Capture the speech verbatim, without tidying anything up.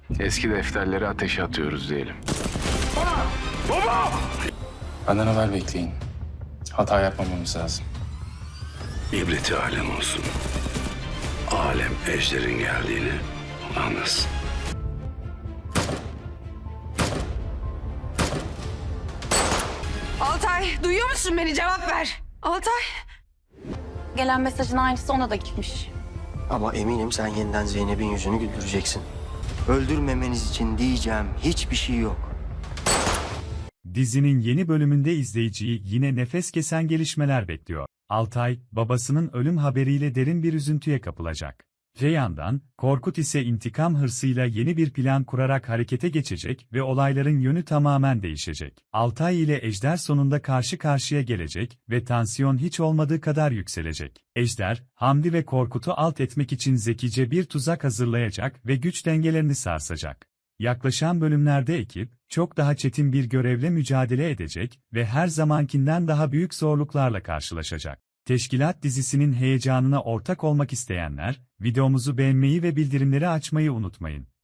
Eski defterleri ateşe atıyoruz diyelim. Benden haber bekleyin. Hata yapmamamız lazım. İbreti alem olsun. Alem ejderin geldiğini anlasın. Altay, duyuyor musun beni? Cevap ver. Altay. Gelen mesajın aynısı ona da gitmiş. Ama eminim sen yeniden Zeynep'in yüzünü güldüreceksin. Öldürmemeniz için diyeceğim hiçbir şey yok. Dizinin yeni bölümünde izleyiciyi yine nefes kesen gelişmeler bekliyor. Altay, babasının ölüm haberiyle derin bir üzüntüye kapılacak. Öte yandan, Korkut ise intikam hırsıyla yeni bir plan kurarak harekete geçecek ve olayların yönü tamamen değişecek. Altay ile Ejder sonunda karşı karşıya gelecek ve tansiyon hiç olmadığı kadar yükselecek. Ejder, Hamdi ve Korkut'u alt etmek için zekice bir tuzak hazırlayacak ve güç dengelerini sarsacak. Yaklaşan bölümlerde ekip, çok daha çetin bir görevle mücadele edecek ve her zamankinden daha büyük zorluklarla karşılaşacak. Teşkilat dizisinin heyecanına ortak olmak isteyenler, videomuzu beğenmeyi ve bildirimleri açmayı unutmayın.